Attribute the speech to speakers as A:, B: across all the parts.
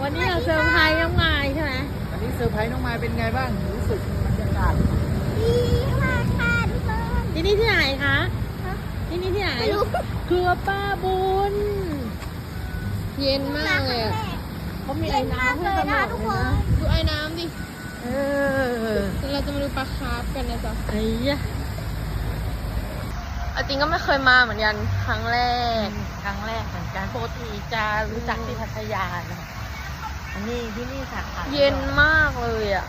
A: วันนี้เราเซอร์ไพรส์น้องไม้ใช่ไหม
B: วันนี้เซอร์ไพรส์น้องไม้เป็นไงบ้างรู้สึกบรรยากาศ
C: ดีมากค่ะทุกคน
A: ที่นี่ที่ไหนคะที่นี่ที่ไหนครัวป้าบุญเย็นมากเลยอะเขามีไอ้น้ำให้ตลอดเลยนะดูไอ้น้ำดิเราจะมาดูปลาคาร์ฟกันนะจ๊ะไอ้ยะจริงก็ไม่เคยมาเหมือนกันครั้งแรกเหมือนกันปกติจะรู้จักที่พัทยานะอันนี้ที่นี่สาขาเย็นมากเลยอ่ะ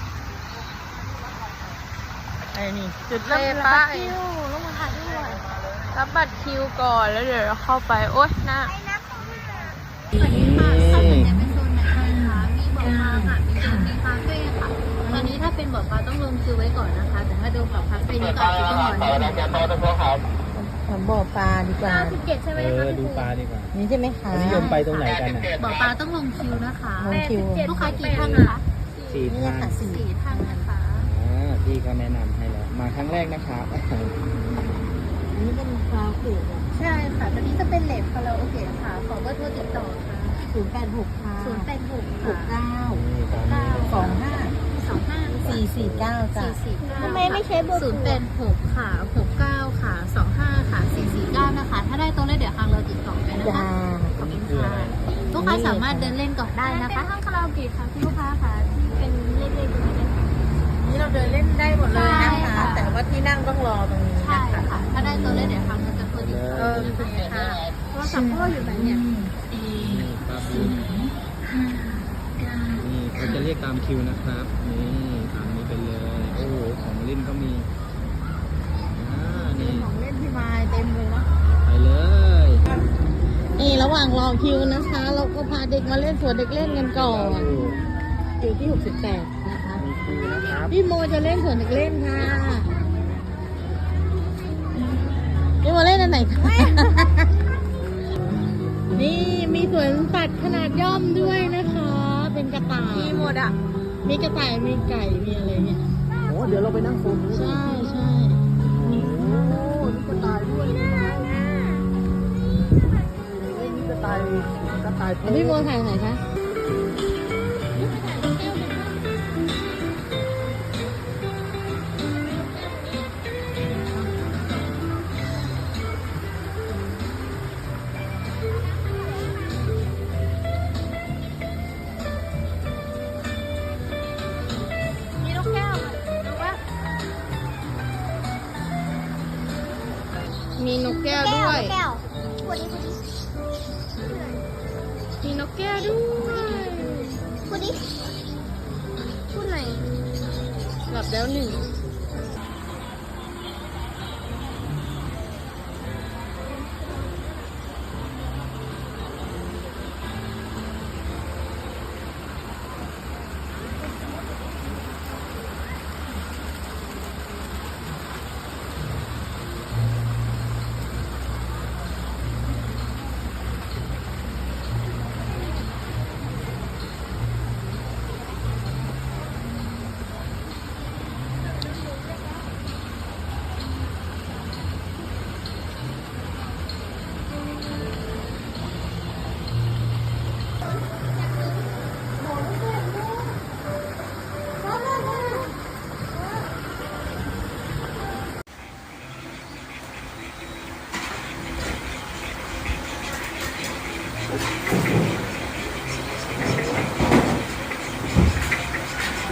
A: ไอ้นี่จุดเริ่มป้ายต้องมาถ่ายด้วยรับบัตรคิวก่อนแล้วเดี๋ยวเราเข้าไปโอ๊ยน่า
C: สวัสดีค่ะค่ะส่วนใหญ่เป็นโซนไหนคะมีบ่อปลาค่ะมีโซนมีคาเฟ่ค่ะตอนนี้ถ้าเป็นบ่อปลาต้องลงคิวไว้ก่อนนะคะแต่ถ้าดูบ่อคาเฟ่นี่ก็อาจจะต้องรอนิดนึง
A: บ่อปลาดีกว่า
C: 97ใช่ไหมคะ
B: ดูปลาดีกว่า
A: นี่ใช่ไหมคะ
B: นิยมไปตรงไหนกันอ่ะ
C: บ่อปลาต้องลงคิวนะคะ
A: ลงคิว
C: ลูกค้ากี่ท่านนะคะ
B: 4 ท่าน
C: 4 ท่านนะคะ
B: พี่เขาแนะนำให้แล้วมาครั้งแรกนะครับ
A: นี่เป็นคาเฟ่
C: ใช่ค่ะตอนนี้จะเป็นเลทคาราโอเกะค่ะขอเบอร์โทรติดต่อค่ะ
A: 086ค่ะ
C: 086ค่ะ
A: 449จ้ะ
C: ทำไมไม่ใช้เบอร์086ค่ะ69ค่ะ25ค่ะ449นะคะถ้าได้ตัวเลขเดี๋ยวทางเราติดต่อไปนะคะขอบคุณค่ะลูกค้าสามารถเดินเล่นก่อนได้นะคะห้องคาราโอเกะค่ะที่ลูกค้าค่ะที่เป็นเลขตรงนี้เลยค่ะ
A: นี่เราเดินเล่นได้หมดเลยนะคะแต่ว่าที่นั่งต้องรอตรงนี้
C: นะคะถ้าได้ตัวเลขเดี๋ยวทางเราจะโทรติดต่อค่ะโทรศัพท์พ่ออยู่ไหนเนี่ย
B: นี่เขาจะเรียกตามคิวนะครับนี่ตามนี้ไปเลยโอ้โหของเล่นก็มีนี่
A: ของเล่นพี่ไม้เต็มเลยนะ
B: ไปเลย
A: นี่ระหว่างรอคิวนะคะเราก็พาเด็กมาเล่นสวนเด็กเล่นกันก่อนคิวที่68นะคะพี่โมจะเล่นสวนเด็กเล่นค่ะพี่โมเล่นอันไหนคะนี่มีสวนสัตว์ขนาดย่อมด้วยนะคะเป็นกระต่ายมีหมดอ่ะมีกระต่ายมีไก่มีอะไรเนี่ย
B: โอ้เดี๋ยวเราไปนั่งโซนนู้น
A: ใช่
B: โอ้นี่กระต่ายด้วยนี่กระต่าย
A: พี่โมถ่ายไหนคะมีนกแก้วด้วยมีนกแก้วด้วยพูดไหนหลับแล้วหนึ่ง